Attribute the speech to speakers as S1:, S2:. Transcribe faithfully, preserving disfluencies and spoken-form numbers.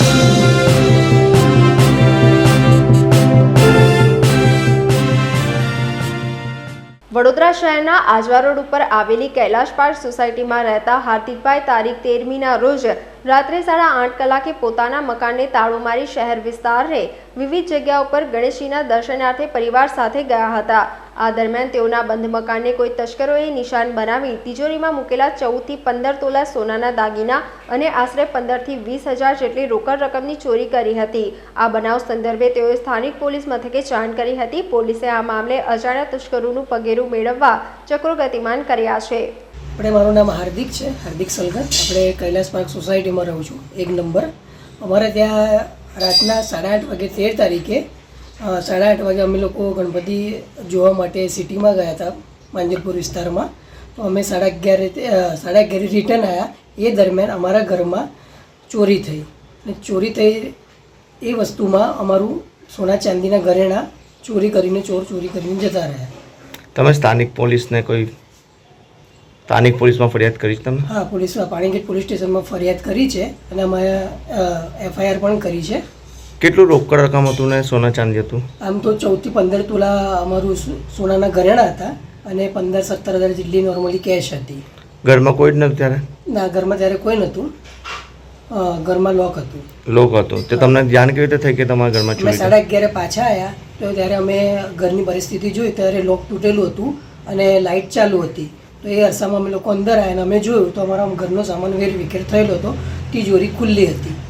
S1: વડોદરા શહેરના આજવા રોડ ઉપર આવેલી કૈલાશ પાર્ક સોસાયટીમાં રહેતા હાર્દિકભાઈ તારીખ તેરમીના રોજ રાત્રે સાડા આઠ કલાકે પોતાના મકાનને તાળું મારી શહેર વિસ્તારને વિવિધ જગ્યા ઉપર ગણેશજીના દર્શનાર્થે પરિવાર સાથે ગયા હતા। આ દરમિયાન તેઓના બંધ મકાનને કોઈ તસ્કરોએ નિશાન બનાવી તિજોરીમાં મૂકેલા ચૌદથી પંદર તોલા સોનાના દાગીના અને આશરે પંદરથી વીસ હજાર જેટલી રોકડ રકમની ચોરી કરી હતી। આ બનાવ સંદર્ભે તેઓએ સ્થાનિક પોલીસ મથકે જાણ કરી હતી। પોલીસે આ મામલે અજાણ્યા તસ્કરોનું પગેરું મેળવવા ચક્રો ગતિમાન કર્યા છે।
S2: આપણે મારું નામ હાર્દિક છે, હાર્દિક સલગર। આપણે કૈલાશ પાર્ક સોસાયટીમાં રહું છું, એક નંબર। અમારે ત્યાં રાતના સાડા આઠ વાગે તેર તારીખે સાડા આઠ વાગે અમે લોકો ગણપતિ જોવા માટે સિટીમાં ગયા હતા, માંજલપુર વિસ્તારમાં। તો અમે સાડા અગિયારે સાડા અગિયારે રિટર્ન આવ્યા। એ દરમિયાન અમારા ઘરમાં ચોરી થઈ અને ચોરી થઈ એ વસ્તુમાં અમારું સોના ચાંદીના ઘરેણાં ચોરી કરીને ચોર ચોરી કરીને જતા રહ્યા।
S3: તમે સ્થાનિક પોલીસને કોઈ સ્થાનિક પોલીસમાં ફરિયાદ કરી છે તમે?
S2: હા, પોલીસમાં પાણીગેટ પોલીસ સ્ટેશનમાં ફરિયાદ કરી છે અને અમે એફઆઈઆર પણ કરી છે।
S3: કેટલું રોકડ રકમ હતું ને સોના ચાંદી હતું?
S2: આમ તો ચૌદથી પંદર તોલા અમારું સોનાના ઘરેણાં હતા અને પંદર સત્તર હજાર જેટલી નોર્મલી કેશ હતી।
S3: ઘરમાં કોઈ જ નહોતું ત્યારે?
S2: ના, ઘરમાં ત્યારે કોઈ નહોતું, ઘરમાં લોક હતું।
S3: લોક હતું તે તમને જાણ કેવી રીતે થઈ કે તમારા ઘરમાં ચોરી થઈ?
S2: સાડા અગિયારે પાછા આવ્યા તો ત્યારે અમે ઘરની પરિસ્થિતિ જોઈ ત્યારે લોક તૂટેલું હતું અને લાઇટ ચાલુ હતી। તો એ અરસામાં અમે લોકો અંદર આવ્યા અને અમે જોયું તો અમારા ઘરનો સામાન વેર વિખેર થયેલો હતો, તિજોરી ખુલ્લી હતી।